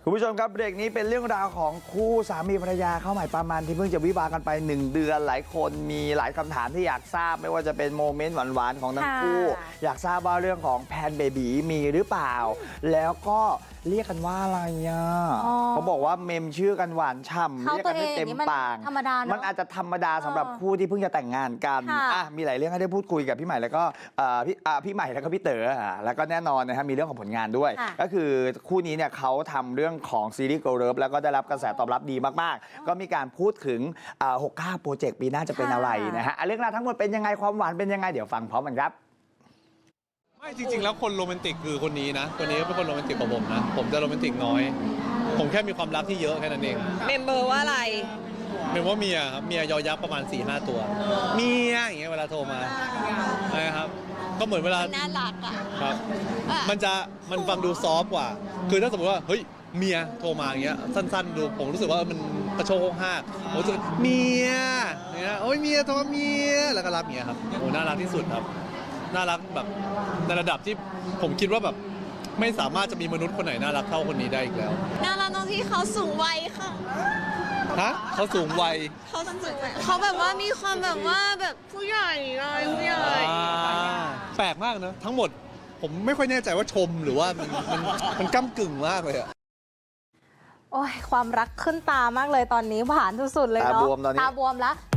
คุณผู้ชมครับเบรกนี้เป็นเรื่องราวของคู่สามีภรรยาเข้าใหม่ประมาณที่เพิ่งจะวิวากันไป1 เดือนหลายคนมีหลายคำถามที่อยากทราบไม่ว่าจะเป็นโมเมนต์หวานๆของทั้งคู่อยากทราบว่าเรื่องของแพนเบบีมีหรือเปล่าแล้วก็เรียกกันว่าอะไรอ่ะเขาบอกว่าเมมชื่อกันหวานฉ่ำเรียกกันไม่เต็มปากธรรมดาเนอะมันอาจจะธรรมดาสำหรับคู่ที่เพิ่งจะแต่งงานกันมีหลายเรื่องให้ได้พูดคุยกับพี่ใหม่แล้วก็พี่ใหม่แล้วก็พี่เต๋อแล้วก็แน่นอนนะครับมีเรื่องของผลงานด้วยก็คือคู่นี้เนี่ยเขาทำเรื่องของซีรีส์ Girl Love แล้วก็ได้รับกระแสตอบรับดีมากๆก็มีการพูดถึง69 โปรเจกต์ปีหน้าจะเป็นอะไรนะฮะเรื่องราวทั้งหมดเป็นยังไงความหวานเป็นยังไงเดี๋ยวฟังพร้อมกันครับไม่จริงๆแล้วคนโรแมนติกคือคนนี้นะคนนี้ก็เป็นคนโรแมนติกกว่าผมนะผมจะโรแมนติกน้อย ผมแค่มีความรักที่เยอะแค่นั้นเองเมมเบอร์ว่าอะไรเมมว่าเมียครับเมียยอยักษ์ประมาณ 4-5 ตัวเมียอย่างเงี้ยเวลาโทรมานะครับก็เหมือนเวลาน่ารักอ่ะครับมันฟังดูซอฟต์กว่าคือถ้าสมมติว่าเฮ้ยเมียโทรมาอย่างเงี้ยสั้นๆดูผมรู้สึกว่ามันกระโชกห้ากผมรู้สึกเมียอย่างเงี้ยโอ้ยเมียโทรเมียแล้วก็รับเมียครับโอ้น่ารักที่สุดครับน่ารักแบบในระดับที่ผมคิดว่าแบบไม่สามารถจะมีมนุษย์คนไหนน่ารักเท่าคนนี้ได้อีกแล้วน่ารักตรงที่เขาสูงวัยค่ะฮะเขาสูงวัยเขาแบบว่ามีความแบบว่าแบบผู้ใหญ่เลยผู้ใหญ่แปลกมากนะทั้งหมดผมไม่ค่อยแน่ใจว่าชมหรือว่ามันก้ำกึ่งมากเลยอะโอ้ยความรักขึ้นตามากเลยตอนนี้หวานสุดๆเลยเนาะตาบวมแล้ว